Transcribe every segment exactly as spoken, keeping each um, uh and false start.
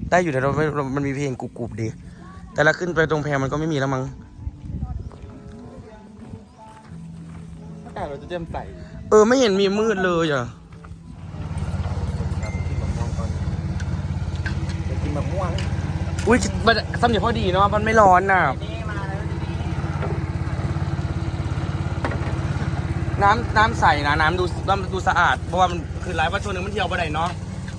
ได้อยู่แต่เราไม่มันมีเพลงกรุบๆดีแต่ละขึ้นไปตรงแพมันก็ไม่มีแล้วมั้งอากาศเราจะเริ่มใส่เออไม่เห็นมีมืดเลยอ่ะกินมะม่วงอุ้ยมันสำเนียงพอดีเนาะมันไม่ร้อนน่ะน้ำน้ำใสนะน้ำดูน้ำดูสะอาดเพราะว่ามันคือหลายวันช่วงหนึ่งมันเที่ยวไปไหนเนาะ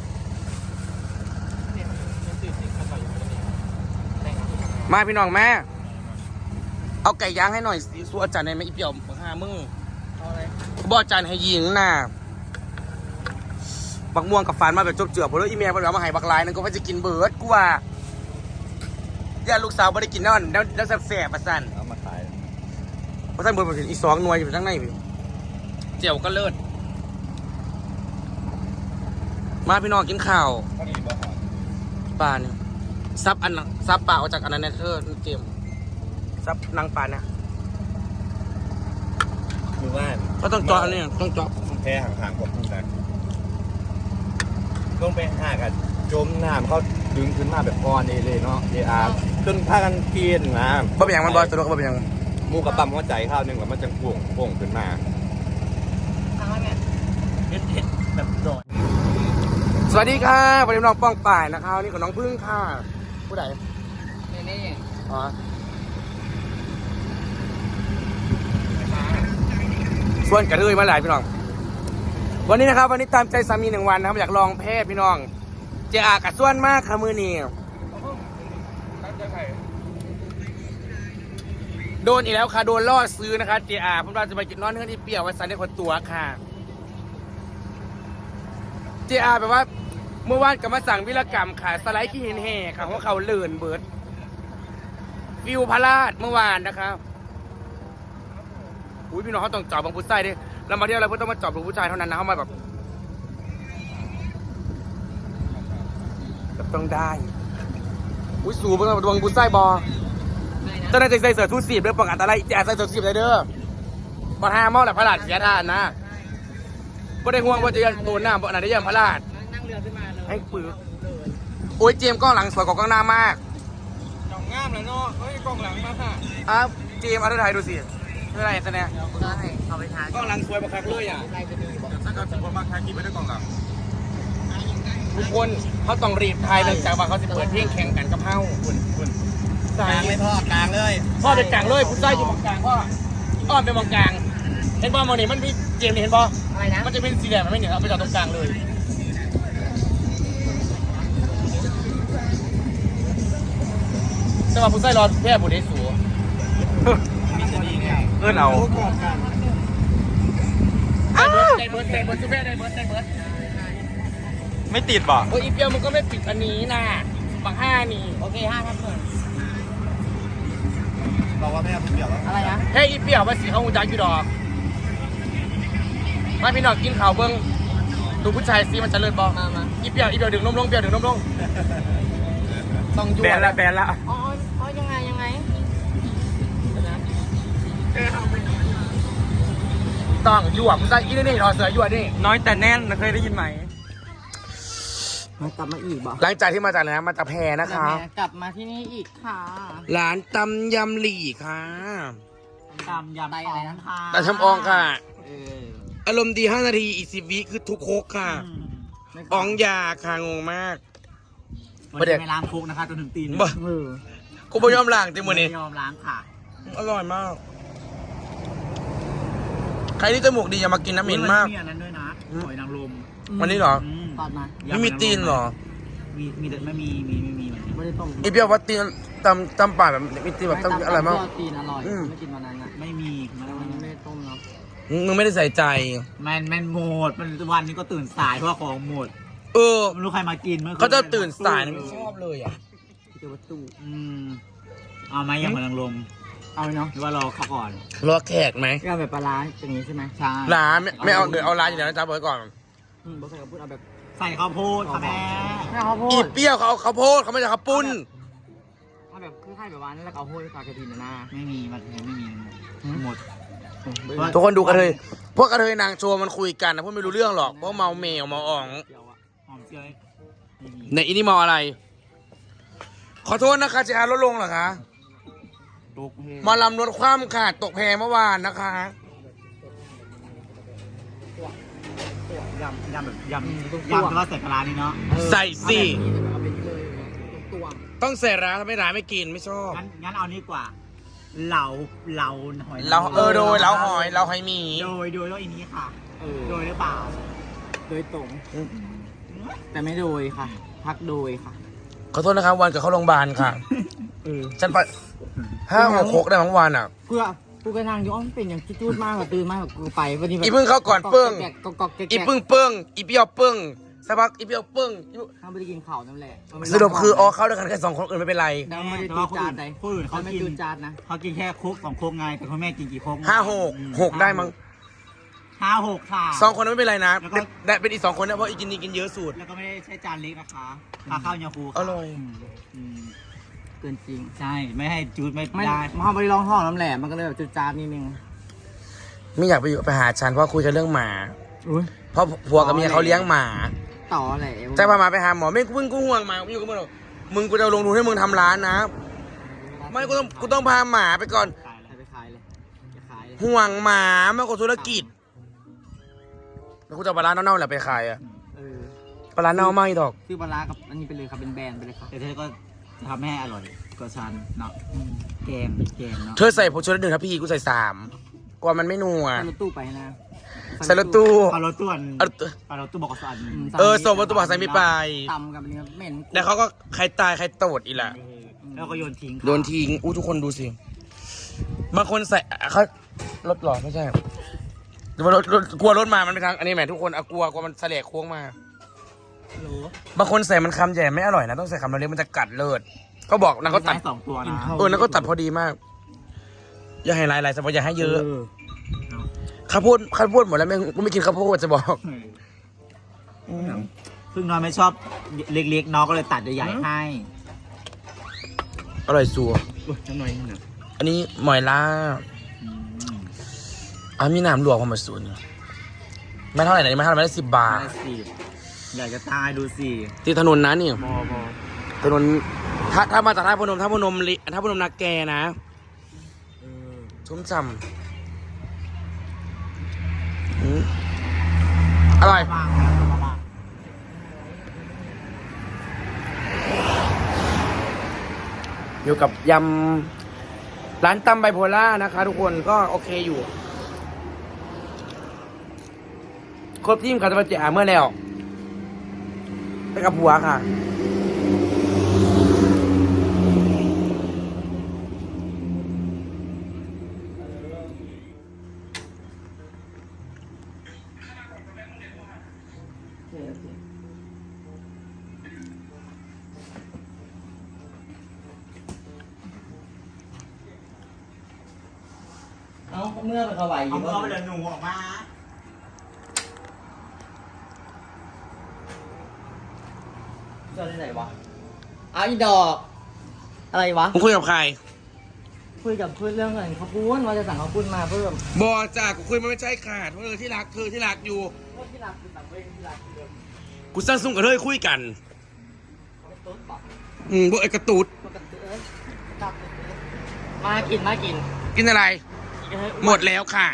มาพี่น้องแม่เอาไก่ย่างให้หน่อยสิสู้อาจารย์ในไม่อีเปี่ยวหามึงบออาจารย์ให้ยิงน่ะบักม่วงกับฟันมาแบบจบเจือพอแล้วอีเมียมันเอามาให้บักลายนั่นก็ว่าจะกินเบิร์ดกูว่าย่าลูกสาวไม่ได้กินนั่นแล้วแล้วแสบๆประสันเอามาขายประสันเบิร์ดมาถึงอีสองหน่วยอยู่ข้างในพี่เจียวก็เลิศมาพี่น้องกินข้าวปลาเนี่ยซับอันซับปลาออกจากอันนั้นเธอเจียมซับนางปลาเนี่ยมือว่านก็ต้องเจาะอันนี้ต้องเจาะแพ้ห่างๆผมนะลงไปหากันจมน้ำเขาดึงขึ้นมาแบบก้อนเอเลยเนาะเออาร์จนพากันกินนะบ่เป็นอย่างมันบอยตัวก็บ่เป็นอย่างมูกระปั๊มหัวใจข้าวนึงแล้วมันจะป่วงป่วงขึ้นมาทางเนี่ยเด็ดๆแบบโดดสวัสดีค่ะวันนี้น้องป้องป่ายนะคะนี่กับน้องพึ่งค่ะผู้ใดนี่นี่อ๋อส่วนกระเทยมาหลายพี่น้องวันนี้นะครับวันนี้ตามใจสามีหนึ่งวันนะครับอยากลองเพศพี่น้องเจ้ากับส่วนมากค่ะมือนี้โดนอีกแล้วค่ะโดนล่อซื้อนะคะเจ้าผมเราจะไปกินนอนเนื้อที่เปรี้ยวไว้ใส่ในคนตัวค่ะเจ้าแปลว่าเมื่อวานกับมาสั่งวิรกรรมค่ะสไลด์ขี้เห็นแห่ค่ะเพราะเขาเลื่อนเบิร์ดฟิวพาราดเมื่อวานนะครับอุ้ยพี่น้องเขาต้องจอบบางผู้ชายดิเรามาเที่ยวอะไรเพื่อต้องมาจอบบางผู้ชายเท่านั้นนะเขามาแบบแบบต้องได้อุ้ยสูบางบางผู้ชายบอเจ้าหน้าที่ใส่เสื้อทูสีบเรื่องป้องกันอะไรแจกใส่เสื้อทูสีบเลยเด้อบอลห้าเมาแหละพระราชเสียทานนะบ่ได้ห่วงว่าจะยันโดนหน้าบ่อนไหนได้ยันพระราชนั่งเรือขึ้นมาเลยให้ปืนโอ้ยเจมกล้องหลังสวยกว่ากล้องหน้ามากกล้องงามเลยเนาะเฮ้ยกล้องหลังมาค่ะอ้าวเจมเอาถ่ายดูสิอะไรแสดงได้เอาไปทานกล้องหลังสวยบักคักเลยอ่ะได้จะดีบอกถ้าเกิดสมมติว่าใครกินไม่ได้กล้องหลังทุกคนเขาต้องรีบถ่ายเนื่องจากว่าเขาจะเปิดเพลงแข่งกันกับเฮาคุณคุณกลางเลยพ่อกลางเลยพ่อเป็นกลางเลยผู้ชายอยู่มองกลางพ่ออ้อมเป็นมองกลางเห็นป่ะมองนี่มันมีเจมนี่เห็นป่ะอะไรนะมันจะเป็นสีแดงมันไม่เหนียวเอาไปจอดตรงกลางเลยแต่ว่าผู้ชายรอแค่ผู้ใดสูงเอื้อนเอาได้เบิร์ดได้เบิร์ดได้เบิร์ดสุดแม่ได้เบิร์ดได้เบิร์ดไม่ติดป่ะโอ้ยอีเปียวมันก็ไม่ปิดอันนี้นะบักห้านี่โอเคห้าครับเพื่อนบอกว่าไม่เอาเปียวแล้วอะไรนะเฮ้ยอีเปียวว่าสีเขาหูจักอยู่ดอกมาพี่น้องกินข่าวเบิ้งดูผู้ชายซีมันจะเลิศบอกมามาอีเปียวอีเปียวดึงนมลงเปียวดึงนมลงต้องยั่วแบนละแบนละอ๋ออ๋อยังไงยังไงต้องยั่วผู้ชายอีนี่นี่รอเสือยั่วนี่น้อยแต่แน่นเคยได้ยินไหมมากลับมาอีกบ่หลังจากที่มาจากไหนนะมาจากแพรนะคะกลับมาที่นี่อีกค่ะร้านตำยำหลี่ค่ะตำยำอะไรนะคะแต่ชำอองค่ะอารมณ์ดีห้านาทีอีกสิบวิคือทุกโคกค่ะอองยาค่ะงงมากไม่ได้ล้างโคกนะคะจนถึงตีนมือกูไม่ยอมล้างจริงมือนี้ยอมล้างค่ะอร่อยมากใครที่จมูกดีอย่ามากินน้ำเหม็นมากมีอันนั้นด้วยนะหอยนางรมวันนี้เหรอตอนมาไม่มีตีนเหรอมีมีแต่ไม่มีมีไม่มีไม่ได้ต้มอีเปียวว่าตีนตำตำป่าแบบมีตีนแบบต้องอะไรมากตีนอร่อยไม่กินวันนั้นอ่ะไม่มีมันไม่ได้ต้มเนาะมึงไม่ได้ใส่ใจมันมันหมดมันวันนี้ก็ตื่นสายเพราะของหมดเออไม่รู้ใครมากินเมื่อเขาจะตื่นสายไม่ชอบเลยอ่ะเจอวัตถุอืมเอาไหมยังหอยนางรมเอาเนาะหรือว่ารอเขาก่อนรอแขกไหมก็แบบปลาร้าอย่างนี้ใช่ไหมใช่ร้านไม่เอาเดี๋ยวเอาร้านอย่างนั้นจ้าบอกก่อนอืมบอกใส่ข้าวปุ้นเอาแบบใส่ข้าวโพดค่ะแม่ข้าวโพดอีเปี้ยวเขาเอาข้าวโพดเขาไม่ใช่ข้าวปุ้นเอาแบบคือไข่แบบว่านั่นแล้วข้าวโพดกับกระดิ่งหน้าไม่มีมันไม่มีหมดทุกคนดูกระเทยพวกกระเทยนางโชว์มันคุยกันนะพวกไม่รู้เรื่องหรอกเพราะเมาเมลเมาอ่องในอินี่เมาอะไรขอโทษนะคะจะอาลดลงเหรอคะตกเพหมาลำลดความขาดตกแพเมื่อวานนะคะยำยำแบบยำยำแต่ว่าใส่ปลาร้านี่เนาะใส่สิเอาเป็นเลยตัวต้องใส่ร้านถ้าไม่ร้านไม่กินไม่ชอบงั้นงั้นเอานี่กว่า เหลาเหลาหอยเราเออโดยเราหอยเราหอยหมีโดยโดยแล้วอันนี้ค่ะโดยหรือเปล่า โดยตรง แต่ไม่โดยค่ะ พักโดยค่ะขอโทษนะครับวันกับเข้าโรงพยาบาลค่ะเออฉันไปห้าหกโคกได้ทั้งวันอ่ะเพื่อกูกระทางอยู่อ้อมเป็นอย่างจูดมากกว่าตื่นมากกว่ากูไปวันนี้แบบอีพึ่งเข้าก่อนเปิ้งกอกอกแกะอีพึ่งเปิ้งอีเปียวเปิ้งสักพักอีเปียวเปิ้งอีห้ามไปกินข้าวนั่นแหละสรุปคืออ๋อเข้าด้วยกันแค่สองคนอื่นไม่เป็นไรแล้วไม่ได้จูดจานใดคนอื่นเขาไม่จูดจานนะเขากินแค่โคกสองโคกไงแต่คุณแม่กินกี่โคกห้าหกหกได้มั้งห้าหกค่ะสองคนนั้นไม่เป็นไรนะแล้วก็ได้เป็นอีกสองคนนะเพราะอีกินนี่กินเยอะสุดแล้วก็ไม่ได้ใช้จานเล็กนะคะพาข้าวยาคูอร่อยเกินจริงใช่ไม่ให้จูดไม่ได้มาเขาไปลองท้องน้ำแหลมมันก็เลยแบบจูดจานนิดนึงไม่อยากไปอยู่ไปหาฉันเพราะคุยกันเรื่องหมาอุ้ยเพราะผัวกับเมียเขาเลี้ยงหมาต่อแหละจะพาหมาไปหาหมอไม่มึงกูห่วงหมากูอยู่กับมึงหรอกมึงกูจะลงทุนให้มึงทำร้านนะ ไม่กูต้องกูต้องพาหมาไปก่อนขายอะไรไปขายเลยจะขายเลยห่วงหมามากกว่าธุรกิจแล้วกูจะเอาปลาร้าเน่าๆแหละไปขายอะเออปลาร้าเน่าไม่ดอกซื้อปลาร้ากับอันนี้ไปเลยครับเป็นแบรนด์ไปเลยครับแต่เธอก็จะทำให้อร่อยกว่าฉันเนาะแกงแกงเนาะเธอใส่ผงชูรสหนึ่งครับพี่กูใส่สามกว่ามันไม่นัวใส่รถตู้ไปนะใส่รถตู้ปลารถตู้อันเอาปลารถตู้บอกกับสันเออส่งรถตู้บอกใส่ไม่ไปตำกับเนื้อเหม็นแล้วเขาก็ใครตายใครโตดอีแหละแล้วก็โยนทิ้งโดนทิ้งอู้ทุกคนดูสิบางคนใส่เขารถหรอไม่ใช่หรือว่ารถรถกลัวรถมามันไปทางอันนี้แหมทุกคนอะกลัวกลัวมันเสลกโค้งมาโหลบางคนใส่มันคำใหญ่ไม่อร่อยนะต้องใส่คำเล็กๆมันจะกัดเลิศก็บอกนางก็ตัดใช้สองตัวนะเออนางก็ตัดพอดีมาก อย่าให้หลายๆสมมติอย่าให้เยอะข้าวโพดข้าวโพดหมดแล้วไม่กูไม่กินข้าวโพดจะบอกซึ่งน้อยไม่ชอบเล็กๆน้องก็เลยตัดใหญ่ๆให้อร่อยสัวจังหน่อยนี่นะอันนี้หมอยล่าอ่ะมีน้ำลวกความมาสูนไม่เท่าไหร่นะไม่เท่าไหร่ไม่ได้สิบบาทได้สิอยากจะตายดูสิที่ถนนนะนี่บอบอถนนถ้าถ้ามาจากท่าพนมท่าพนมลิท่าพนมนาแกนะชุ่มฉ่ำอืมอร่อยบ้างนะบ้างอยู่กับยำร้านตำไบโพล่านะคะ ทุกคนก็โอเคอยู่ครบทีมคาตาบาเจอาเมื่อแล้วไปกับผัวค่ะเอาเมื่อเป็นกระไหวอยู่เอาไปเลยหนูออกมาเจอที่ไหนวะเอาอีดอก อะไรวะมึงคุยกับใครคุยกับเพื่อนเรื่องอะไรเขาพูดว่าจะสั่งเขาพูดมาเพิ่มบอจ้ากูคุยมันไม่ใช่ขาดเพราะเธอที่รักเธอที่รักอยู่ที่รักคือสั่งเว้ยที่รักคือเดิมกูสร้างซุ้มกับเธอคุยกันเขาเป็นตุ๊ดบอกอืมพวกไอ้กระตูดปกติเอ้ยตับมากินมากินกินอะไรกินให้หมดแล้วค่ะ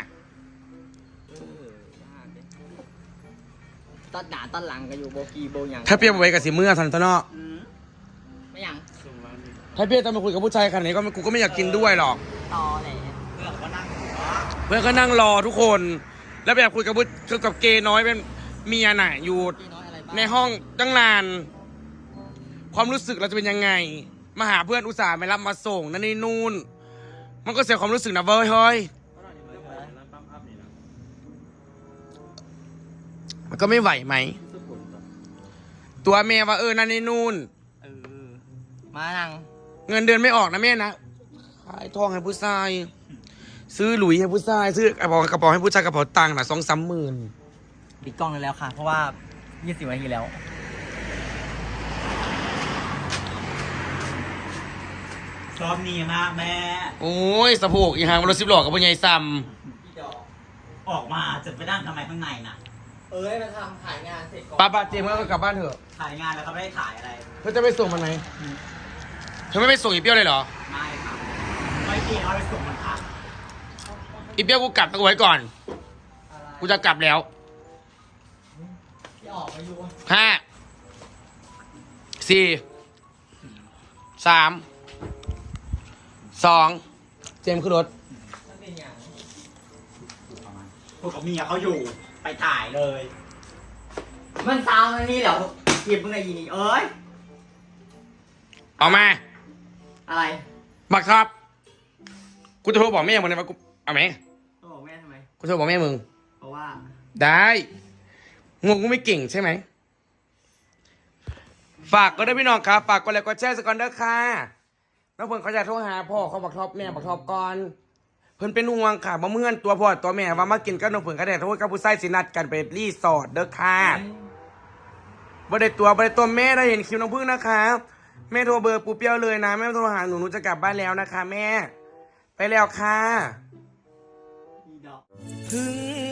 ตอนหนาตอนหลังก็อยู่โบกีโบยังถ้าเปรียบไว้กับสิเมื่อทันตะเนาะไม่ยังถ้าเปรียบจะมาคุยกับผู้ชายขนาดนี้ก็กูก็ไม่อยากกินด้วยหรอกต่อแหละเพื่อนก็นั่งเพื่อนก็นั่งรอทุกคน แล้วแบบคุยกับผู้กับเกย์น้อยเป็นเมียน่ะอยู่พี่น้อยอะไรบ้างในห้องตั้งนาน ความรู้สึกเราจะเป็นยังไง มาหาเพื่อนอุตส่าห์ไม่รับมาส่งนั่นนี่นู่น มันก็เสียความรู้สึกนะเว้ยเฮ้ยมันก็ไม่ไหวไหม ตัวเมียว่าเออนั่นนี่นู่นเออมานั่งเงินเดือนไม่ออกนะแม่นะขายทองให้ผู้ชาย ซื้อหลุยให้ผู้ชาย ซื้อกระเป๋ากระเป๋าให้ผู้ชายกระเป๋าตังค์น่ะสองสามหมื่นปิดกล้องเลยแล้วค่ะ เพราะว่ายี่สิบนาทีแล้วชอบนี่มากแม่โอ้ยสะโพกอีหางรถสิบล้อกับพ่อใหญ่ซ้ออกมาจะไปนั่งทำไมข้างในน่ะ เอ้ยมาทำถ่ายงานเสร็จก่อนำป้าป้าเจมส์ก็กลับบ้านเถอะถ่ายงานแล้วเขาไม่ได้ถ่ายอะไรเธอจะไปส่งมันไหนเธออไม่ไปส่งอีเปี้ยวเลยเหรอไม่ค่ะไม่เกี่ยวเอาไปส่งมันค่ะอีเปี้ยวกูกลับเอาไว้ก่อน กูจะกลับแล้วที่ออกไปอยู่ห้า สี่ สาม สอง เจมส์ขึ้นรถพวกกับเมียเขาอยู่ไปถ่ายเลย มันซาวน์อันนี้เหรอหยิบมึงไงยีนี่เอ้ยออกมาอะไรบักครับ กูจะโทรบอกแม่มึงเลยว่ากูเอาไหมต้องบอกแม่ทำไมกูโทรบอกแม่มึงเพราะว่าได้งงกูไม่เก่งใช่ไหม ฝากก็ได้พี่น้องครับ ฝากกดไลค์กดแชร์สกอนเดอร์ค่ะน้องเพิ่นเขาจะโทรหาพ่อเขาบักทอบแม่บักทอบก่อน เพิ่นเป็นห่วงค่ะมาเมื่อนตัวพ่อตัวแม่ว่ามากินกับน้องเพิ่นก็ได้โทษกับผู้ใส่สินัดกันไปรีสอร์ทเด้อค่ะบ่ได้ตัวบ่ได้ตัวแม่ได้เห็นคิวน้องพึ่งนะคะแม่โทรเบอร์ปูเปี้ยวเลยนะแม่โทรหาหนูหนูจะกลับบ้านแล้วนะคะ แม่ ไปแล้วค่ะอีดอกถึง